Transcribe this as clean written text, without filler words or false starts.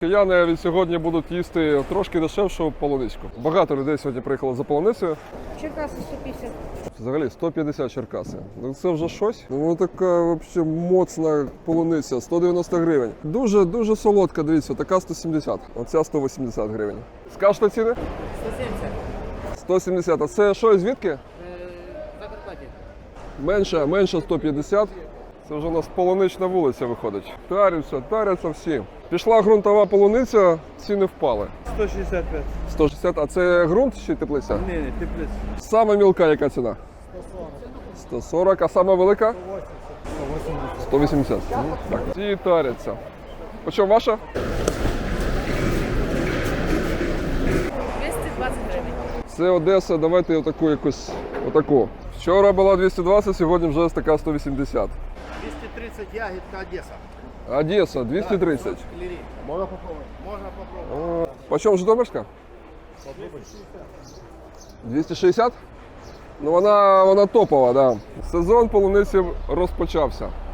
Кияни від сьогодні будуть їсти трошки дешевшу полуничку. Багато людей сьогодні приїхало за полуницею. Черкаси 150. Взагалі 150 Черкаси. Ну це вже щось. Ну така взагалі моцна полуниця, 190 гривень. Дуже солодка, дивіться, така 170. Оця 180 гривень. Скажете ціни? 170. 170. А це що, звідки? Закарпаття. Менше 150. Це вже у нас полунична вулиця виходить. Таряться всі. Пішла ґрунтова полуниця, ціни впали. 165. 160, а це ґрунт чи теплиця? Ні, теплиця. Сама мілка яка ціна? 140, а сама велика? 180. Так, ці таряться. По чому ваша? 220 гривень. Це Одеса, давайте отаку якусь, отаку. Вчора була 220, сьогодні вже така 180. 230 ягідка Одеса. Одеса, 230. Можна попробувати? Можна попробувати. По чому Житомирська? 260? Ну вона топова, да. Сезон полуниці розпочався.